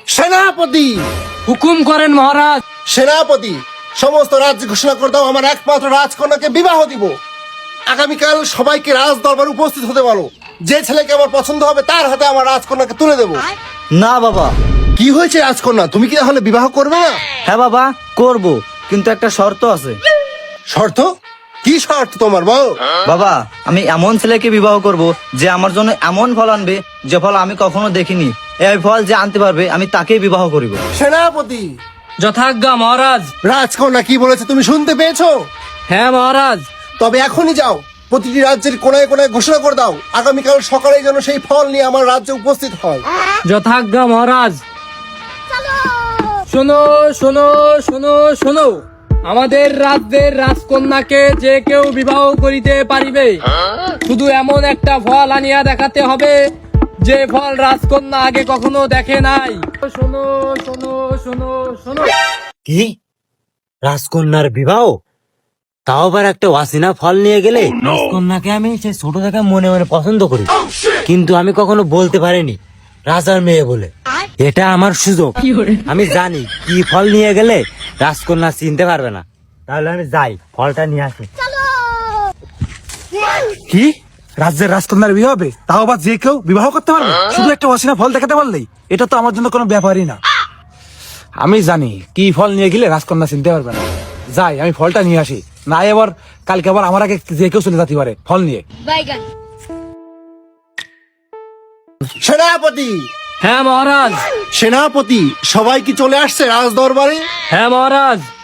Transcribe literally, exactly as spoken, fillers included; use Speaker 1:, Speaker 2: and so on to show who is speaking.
Speaker 1: সেনাপতি,
Speaker 2: হুকুম করেন মহারাজ।
Speaker 1: সেনাপতি, সমস্ত রাজ্য ঘোষণা করে দাও আমার একমাত্র রাজকন্যাকে বিবাহ দিব। আগামীকাল সবাইকে রাজ দরবারে উপস্থিত হতে বলো। যে ছেলেকে আমার পছন্দ হবে তার হাতে আমার রাজকন্যাকে তুলে দেব।
Speaker 3: না বাবা।
Speaker 1: কি হয়েছে রাজকন্যা, তুমি কি তাহলে বিবাহ করবে না?
Speaker 3: হ্যাঁ বাবা, করব, কিন্তু একটা শর্ত আছে।
Speaker 1: শর্ত? কি শর্ত তোমার বল?
Speaker 3: বাবা, আমি এমন ছেলেকে বিবাহ করব যে আমার জন্য এমন ফল আনবে যে ফল আমি কখনো দেখিনি। এই ফল যে আনতে পারবে আমি তাকেই বিবাহ করিব।
Speaker 1: সেনাপতি,
Speaker 2: যথাজ্ঞা মহারাজ।
Speaker 1: রাজকন্যা কি বলেছে তুমি শুনতে পেয়েছো?
Speaker 2: হ্যাঁ মহারাজ।
Speaker 1: তবে এখনই যাও, প্রতিটি রাজ্যের কোনায় কোনায় ঘোষণা করে দাও আগামীকাল সকালে যেন সেই ফল নিয়ে আমার রাজ্যে উপস্থিত হয়।
Speaker 2: যথাজ্ঞা মহারাজ। শোনো শোনো শোনো শোনো, আমাদের রাজ্যের রাজকন্যাকে যে কেউ বিবাহ করিতে পারিবে, শুধু এমন একটা ফল আনিয়া দেখাতে হবে যে ফল রাজকন্যা আগে কখনো দেখে নাই। শোনো শোনো শোনো শোনো।
Speaker 4: কি? রাজকন্যার বিবাহ? তাও আবার একটা ওয়াসিনা ফল নিয়ে গেলে? রাজকন্যাকে আমি সে ছোট থেকে মনে মনে পছন্দ করি, কিন্তু আমি কখনো বলতে পারিনি রাজার মেয়ে বলে। এটা আমার সুযোগ। আমি জানি কি ফল নিয়ে গেলে রাজকন্যা চিনতে পারবে না। তাহলে আমি যাই, ফলটা নিয়ে আসি।
Speaker 5: কি? রাজ্যের রাজকন্যার বিয়ে হবে, তাও আবার যে কেউ বিবাহ করতে পারবে শুধু একটা অসিনা ফল দেখাতে পারলেই? এটা তো আমার জন্য কোনো ব্যাপারই না। আমি জানি কি ফল নিয়ে গেলে রাজকন্যা চিনতে পারবে না। যাই, আমি ফলটা নিয়ে আসি, না এবার কালকে আবার আমার আগে যে কেউ চলে যেতে পারে ফল নিয়ে।
Speaker 1: সেনাপতি,
Speaker 2: হ্যাঁ মহারাজ।
Speaker 1: সেনাপতি, সবাই কি চলে আসছে রাজ দরবারে?
Speaker 2: হ্যাঁ মহারাজ।